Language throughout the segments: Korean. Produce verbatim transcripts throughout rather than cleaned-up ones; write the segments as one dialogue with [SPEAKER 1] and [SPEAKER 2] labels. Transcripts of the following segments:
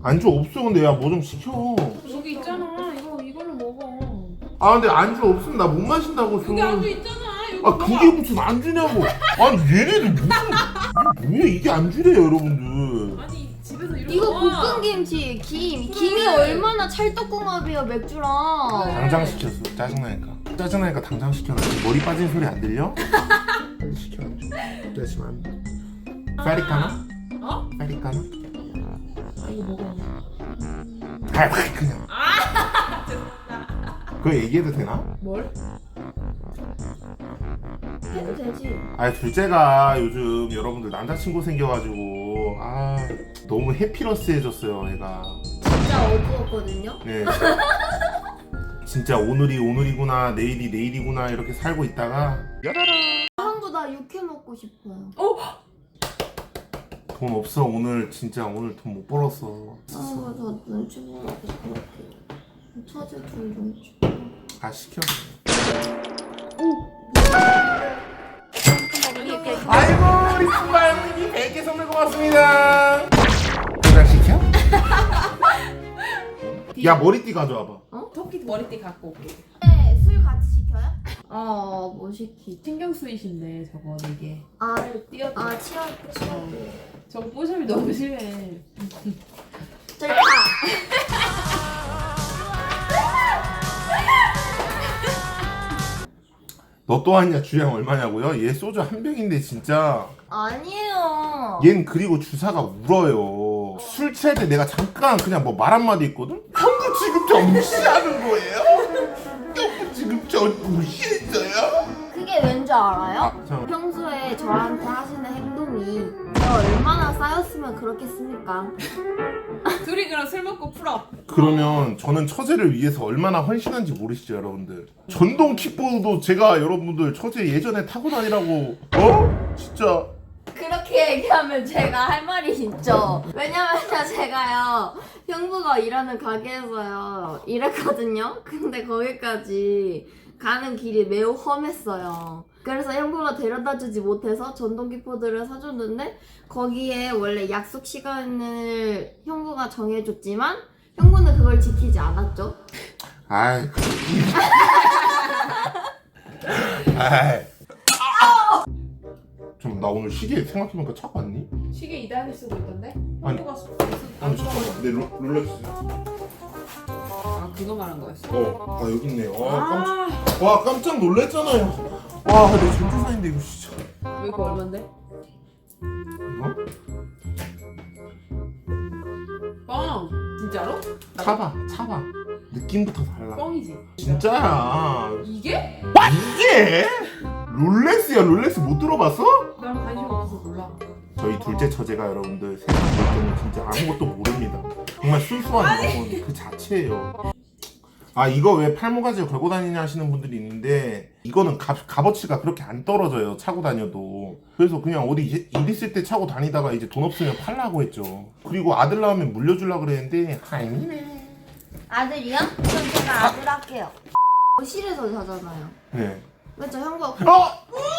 [SPEAKER 1] 안주 없어. 근데 야 뭐 좀 시켜.
[SPEAKER 2] 여기 있잖아. 이거 이걸로 먹어.
[SPEAKER 1] 아 근데 안주 없으면 나 못 마신다고.
[SPEAKER 2] 그게 안주 있잖아. 여기
[SPEAKER 1] 아
[SPEAKER 2] 먹어.
[SPEAKER 1] 그게 무슨 안주냐고. 아니 얘네들 무슨 이게 뭐야 이게 안주래요 여러분들.
[SPEAKER 2] 아니 집에서 이렇게
[SPEAKER 3] 이거
[SPEAKER 2] 먹어.
[SPEAKER 3] 볶음김치, 김. 김이 얼마나 찰떡궁합이야 맥주랑.
[SPEAKER 1] 당장 시켰어. 짜증나니까. 짜증나니까 당장 시켜놨지. 머리 빠진 소리 안 들려? 빨리 시켜. 그렇지만 안 돼. 파리카나?
[SPEAKER 2] 어?
[SPEAKER 1] 파리카나?
[SPEAKER 2] 아 이거 먹어.
[SPEAKER 1] 아 그냥. 그거 얘기해도 되나?
[SPEAKER 2] 뭘?
[SPEAKER 3] 해도 되지.
[SPEAKER 1] 아 둘째가 요즘 여러분들 남자친구 생겨가지고 아 너무 해피러스해졌어요 애가.
[SPEAKER 3] 진짜 어두웠거든요.
[SPEAKER 1] 네. 진짜 오늘이 오늘이구나 내일이 내일이구나 이렇게 살고 있다가 야라라
[SPEAKER 3] 형도 나 육회 먹고 싶어요.
[SPEAKER 2] 어?
[SPEAKER 1] 돈 없어 오늘 진짜 오늘 돈 못 벌었어.
[SPEAKER 3] 아, 저 눈치 보고 그렇게. 처제 둘 눈치.
[SPEAKER 1] 아 시켜. 아이고 우리 신발님이 백 개 선물 고맙습니다. 도장 시켜? 야 머리띠 가져와봐.
[SPEAKER 3] 어?
[SPEAKER 2] 토끼 머리띠 갖고 올게.
[SPEAKER 3] 네, 술 같이 시켜요? 어, 뭐 시키?
[SPEAKER 2] 신경 쓰이신데 저거 이게.
[SPEAKER 3] 아,
[SPEAKER 2] 띄어.
[SPEAKER 3] 아, 치아, 치아.
[SPEAKER 2] 저거 뽀샵이 너무 심해.
[SPEAKER 3] 저기 가.
[SPEAKER 1] 너 또 왔냐? 주량 얼마냐고요? 얘 소주 한 병인데 진짜.
[SPEAKER 3] 아니에요.
[SPEAKER 1] 얜 그리고 주사가 울어요. 술 취할 때 내가 잠깐 그냥 뭐 말 한마디 했거든? 형부 지금 저 무시하는 거예요? 형부 지금 저 무시했어요?
[SPEAKER 3] 그게 왠지 알아요?
[SPEAKER 1] 아, 잠깐만.
[SPEAKER 3] 평소에 저한테 하시는 행동이 제가 얼마나 쌓였으면 그렇겠습니까?
[SPEAKER 2] 둘이 그럼 술 먹고 풀어.
[SPEAKER 1] 그러면 저는 처제를 위해서 얼마나 헌신한지 모르시죠 여러분들. 전동 킥보드도 제가 여러분들 처제 예전에 타고 다니라고 어? 진짜
[SPEAKER 3] 그렇게 얘기하면 제가 할 말이 있죠. 왜냐면 제가요 형부가 일하는 가게에서요 일했거든요. 근데 거기까지 가는 길이 매우 험했어요. 그래서 형부가 데려다주지 못해서 전동 킥보드를 사줬는데 거기에 원래 약속 시간을 형부가 정해줬지만 형부는 그걸 지키지 않았죠.
[SPEAKER 1] 아이 아이 좀 나 오늘 시계 생각해보니까 차고 왔니?
[SPEAKER 2] 시계 이다리 쓰고 있던데?
[SPEAKER 1] 아니.
[SPEAKER 2] 형부가
[SPEAKER 1] 아니 잠깐만 내 롤- 롤렉스
[SPEAKER 2] 아 그거 말한 거였어.
[SPEAKER 1] 어, 아 여기 있네. 와, 깜짝,
[SPEAKER 2] 아,
[SPEAKER 1] 와 깜짝 놀랐잖아요. 와, 내 전재산인데 이거 진짜.
[SPEAKER 2] 왜 이거 얼만데?
[SPEAKER 1] 이거?
[SPEAKER 2] 뻥! 진짜로?
[SPEAKER 1] 차봐, 차봐. 느낌부터 달라.
[SPEAKER 2] 뻥이지.
[SPEAKER 1] 진짜야.
[SPEAKER 2] 이게?
[SPEAKER 1] 이게? 롤렉스야, 롤렉스 못 들어봤어?
[SPEAKER 2] 난 관심 없어서 몰라.
[SPEAKER 1] 저희 둘째 처제가 여러분들 세상 물정은 진짜 아무것도 모릅니다. 정말 순수한 영혼 그 자체예요. 아 이거 왜 팔모가지에 걸고 다니냐 하시는 분들이 있는데 이거는 값, 값어치가 그렇게 안 떨어져요 차고 다녀도. 그래서 그냥 어디 일, 일 있을 때 차고 다니다가 이제 돈 없으면 팔라고 했죠. 그리고 아들 나오면 물려주려고 그랬는데 아니네.
[SPEAKER 3] 아들이요? 그럼 제가 아들 할게요. 거실에서 자잖아요.
[SPEAKER 1] 네.
[SPEAKER 3] 그렇죠 형부가
[SPEAKER 1] 어?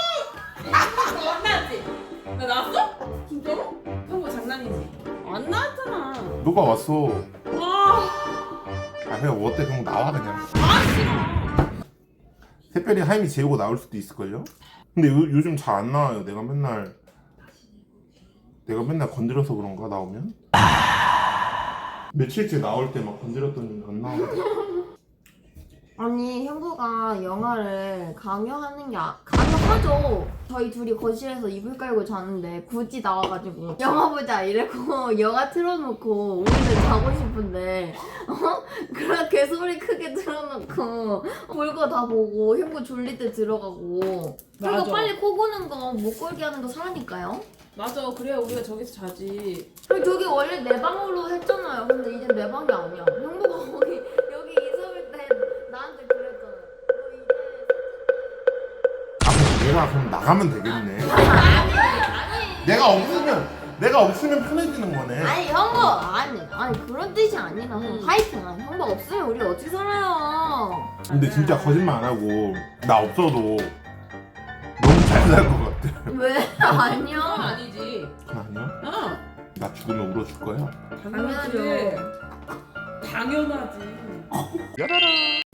[SPEAKER 2] 안 나왔지? 나 나왔어? 진짜로? 형부 장난이지? 안 나왔잖아.
[SPEAKER 1] 누가 왔어?
[SPEAKER 2] 와,
[SPEAKER 1] 아 그냥 어때 그냥 나와 그냥.
[SPEAKER 2] 아 싫어.
[SPEAKER 1] 새별이 하임이 재우고 나올 수도 있을걸요? 근데 요, 요즘 잘 안 나와요. 내가 맨날 내가 맨날 건드려서 그런가 나오면? 며칠째 나올 때 막 건드렸더니 안 나와.
[SPEAKER 3] 아니 형부가 영화를 강요하는 게 아, 강요하죠. 저희 둘이 거실에서 이불 깔고 자는데 굳이 나와가지고 영화 보자 이래고 영화 틀어놓고 우리는 자고 싶은데 어? 그렇게 소리 크게 틀어놓고 볼 거 다 보고 형부 졸릴 때 들어가고 그리고
[SPEAKER 2] 맞아.
[SPEAKER 3] 빨리 코 고는 거 못 걸게 하는 거 사니까요.
[SPEAKER 2] 맞아, 그래야 우리가 저기서 자지.
[SPEAKER 3] 그리고 저기 원래 내 방으로 했잖아요. 근데 이제 내 방이 아니야. 형부가 거기 여기 있을 때 나한테 그랬잖아. 너 이제
[SPEAKER 1] 아, 내가 그럼 나가면 되겠네.
[SPEAKER 3] 아니 아니
[SPEAKER 1] 내가 없으면 내가 없으면 편해지는 거네.
[SPEAKER 3] 아니 형부 아니 아니 그런 뜻이 아니라
[SPEAKER 2] 음.
[SPEAKER 3] 파이팅. 아니 형부 없으면 우리 어떻게 살아요?
[SPEAKER 1] 근데 진짜 거짓말 안 하고 나 없어도 너무 잘 살 것 같아.
[SPEAKER 3] 왜
[SPEAKER 2] 그건
[SPEAKER 3] 아니야?
[SPEAKER 2] 아니지.
[SPEAKER 1] 아니야?
[SPEAKER 2] 어.
[SPEAKER 1] 나 죽으면 울어줄 거야?
[SPEAKER 2] 당연하지. 당연하지.
[SPEAKER 1] 야라라.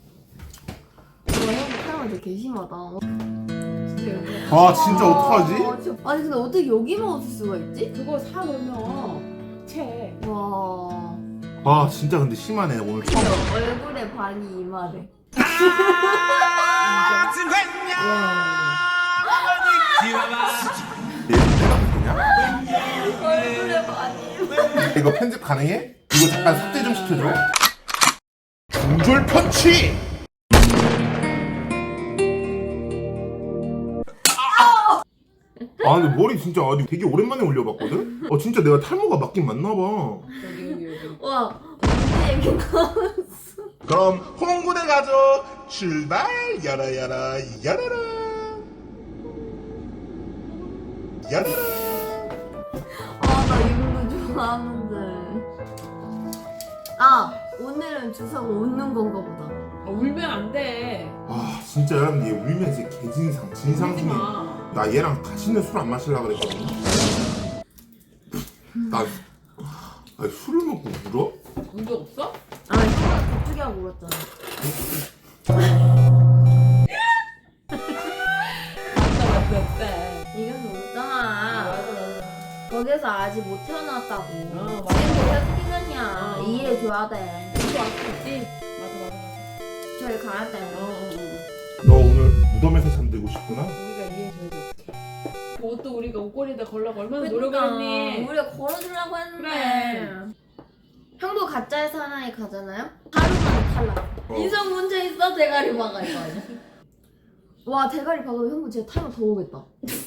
[SPEAKER 3] 이거 형 사람 되게 개심하다.
[SPEAKER 2] 진짜 여기.
[SPEAKER 1] 아 진짜 어떡하지?
[SPEAKER 3] 아, 진짜. 아니 근데 어떻게 여기만 없을 수가 있지?
[SPEAKER 2] 그거 사 놓으면 채.
[SPEAKER 3] 와.
[SPEAKER 1] 아 진짜 근데 심하네 오늘 처음.
[SPEAKER 3] 진짜 얼굴에 반이 이마래.
[SPEAKER 1] 내가 그냥?
[SPEAKER 3] 얼굴에 반이 이마.
[SPEAKER 1] 이거 편집 가능해? 이거 잠깐 삭제 좀 시켜줘. 중졸 펀치. 아 근데 머리 진짜 아니 되게 오랜만에 올려봤거든? 어 진짜 내가 탈모가 맞긴 맞나봐.
[SPEAKER 2] 여기 여기 여기.
[SPEAKER 3] 와. 무슨 얘기 나왔어?
[SPEAKER 1] 그럼 홍군의 가족 출발 야라야라 야라라 야라라.
[SPEAKER 3] 아나 이런 거 좋아하는데. 아 오늘은 주사가 웃는 건가 보다.
[SPEAKER 2] 아, 울면 안 돼.
[SPEAKER 1] 아 진짜 여러분 얘 울면 진짜 개진상 진상
[SPEAKER 2] 울지
[SPEAKER 1] 중에
[SPEAKER 2] 마.
[SPEAKER 1] 나 얘랑 다시는 술 안 마실라 그랬거든. 나 아니, 술을 먹고 울어?
[SPEAKER 2] 운 적 없어?
[SPEAKER 3] 아 형아 갑자기 하고 울었잖아.
[SPEAKER 2] 맞다 맞다 맞다.
[SPEAKER 3] 이겨서 웃잖아.
[SPEAKER 2] 맞아 맞아.
[SPEAKER 3] 거기서 아직 못 태어났다고.
[SPEAKER 2] 어, 맞아.
[SPEAKER 3] 지금 계속 뛰느냐.
[SPEAKER 2] 어.
[SPEAKER 3] 이해해줘야 돼.
[SPEAKER 2] 또 왔겠지? 맞아 맞아 맞아.
[SPEAKER 3] 저리 가야 돼.
[SPEAKER 2] 어, 어, 어.
[SPEAKER 1] 너 오늘 무덤에서 잠들고 싶구나?
[SPEAKER 2] 우리가 이해해줘야지 어떡해. 그 옷도 우리가 옷걸이에다 걸려고 얼마나 노력을
[SPEAKER 3] 그러니까
[SPEAKER 2] 했니?
[SPEAKER 3] 우리가 걸어주려고 했는데.
[SPEAKER 2] 그래.
[SPEAKER 3] 형도 가짜에서 하나에 가잖아요? 하루만에 탈락.
[SPEAKER 1] 어.
[SPEAKER 3] 인성 문제 있어 대가리 박아 이거 아니야? 와 대가리 박으면 형도 진짜 타면 더 오겠다.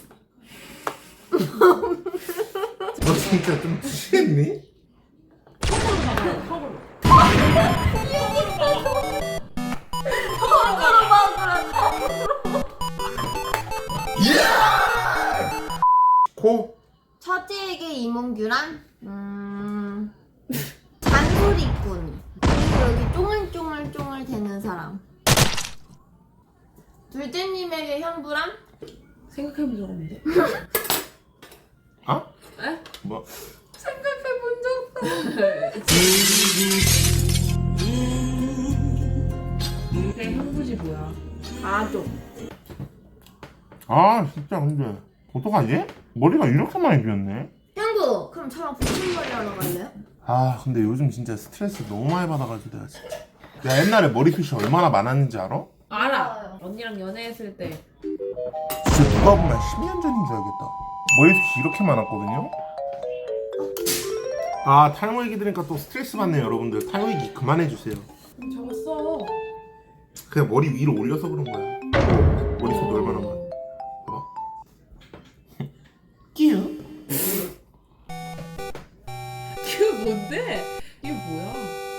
[SPEAKER 1] 너 진짜 좀 취했니?
[SPEAKER 2] 턱으로 박아요 턱으로.
[SPEAKER 3] 턱으로 박으라.
[SPEAKER 1] 코?
[SPEAKER 3] 첫째에게 이몽규란 음 잔소리꾼 그리고 여기 쫑알쫑알쫑알 되는 사람. 둘째님에게 형부란
[SPEAKER 2] 생각해본 적 없는데?
[SPEAKER 1] 아?
[SPEAKER 2] 에?
[SPEAKER 1] 뭐?
[SPEAKER 3] 생각해본 적 없어.
[SPEAKER 2] 그래 형부지 뭐야? 아좀
[SPEAKER 1] 아 진짜 근데 어떡하지? 머리가 이렇게 많이 비었네?
[SPEAKER 3] 형부 그럼 저랑 붙임머리 하러 갈래요?
[SPEAKER 1] 아 근데 요즘 진짜 스트레스 너무 많이 받아가지고 내가 진짜 내가 옛날에 머리숱이 얼마나 많았는지 알아?
[SPEAKER 2] 알아. 언니랑 연애했을 때
[SPEAKER 1] 진짜 누가 보면 십 년 전인 줄 알겠다. 머리숱이 이렇게 많았거든요? 아 탈모 얘기 들으니까 또 스트레스 받네요 여러분들. 탈모 얘기 그만해주세요.
[SPEAKER 2] 적었어.
[SPEAKER 1] 그냥 머리 위로 올려서 그런 거야. 어, 머리숱 얼마나 많아. 봐봐. 끼우.
[SPEAKER 2] 그 뭔데? 이게 뭐야?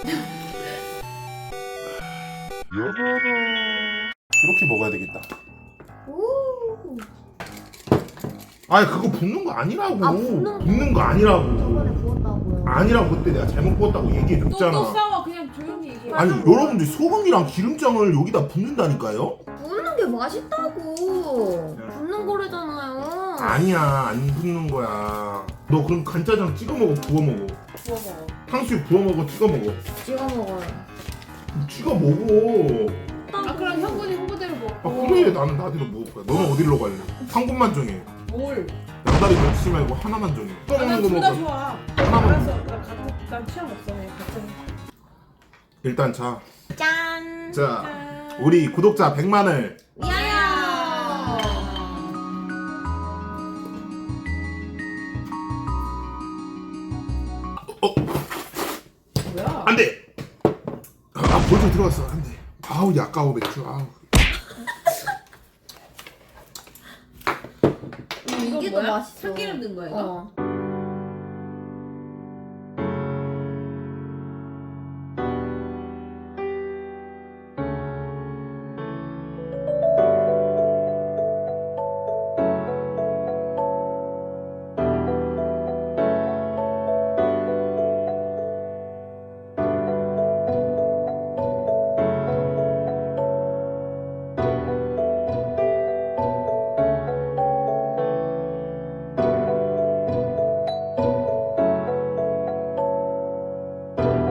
[SPEAKER 1] 이렇게 먹어야 되겠다.
[SPEAKER 3] 오
[SPEAKER 1] 아니 그거 붓는 거 아니라고.
[SPEAKER 3] 아, 붓는 거.
[SPEAKER 1] 붓는 거 아니라고.
[SPEAKER 3] 저번에 부었다고요.
[SPEAKER 1] 아니라고 그때 내가 잘못 부었다고 얘기해줬잖아.
[SPEAKER 2] 또 또 싸워 그냥 조용히 얘기해.
[SPEAKER 1] 아니 여러분들 소금이랑 기름장을 여기다 붓는다니까요?
[SPEAKER 3] 붓는 게 맛있다고. 붓는 거래잖아요.
[SPEAKER 1] 아니야 안 붓는 거야. 너 그럼 간짜장 찍어 먹어 부어 먹어.
[SPEAKER 2] 부어 먹어.
[SPEAKER 1] 탕수육 부어 먹어 찍어 먹어.
[SPEAKER 3] 찍어 먹어요.
[SPEAKER 1] 찍어 먹어.
[SPEAKER 2] 아 그럼 형군이 홍보대로
[SPEAKER 1] 아
[SPEAKER 2] 먹고.
[SPEAKER 1] 그래 나는 나대로 먹을 거야. 너는 어디로 갈래? 한 곳만 정해.
[SPEAKER 2] 뭘?
[SPEAKER 1] 양다리 걸치지 말고 하나만 정해.
[SPEAKER 2] 아,
[SPEAKER 1] 먹는 거
[SPEAKER 2] 난둘 다
[SPEAKER 1] 먹어.
[SPEAKER 2] 좋아.
[SPEAKER 1] 하나만.
[SPEAKER 2] 알았어. 나 같은 난 취향 없어. 그냥 같은.
[SPEAKER 1] 일단 자,
[SPEAKER 3] 짠.
[SPEAKER 1] 자 우리 구독자 백만을
[SPEAKER 3] 미안해요.
[SPEAKER 2] 뭐야?
[SPEAKER 1] 안돼. 아 벌써 들어갔어 안돼. 아우 약가워 맥주 아우.
[SPEAKER 3] 이게 더
[SPEAKER 2] 뭐야?
[SPEAKER 3] 맛있어.
[SPEAKER 2] 참기름 넣은 거야 이거?
[SPEAKER 3] 어.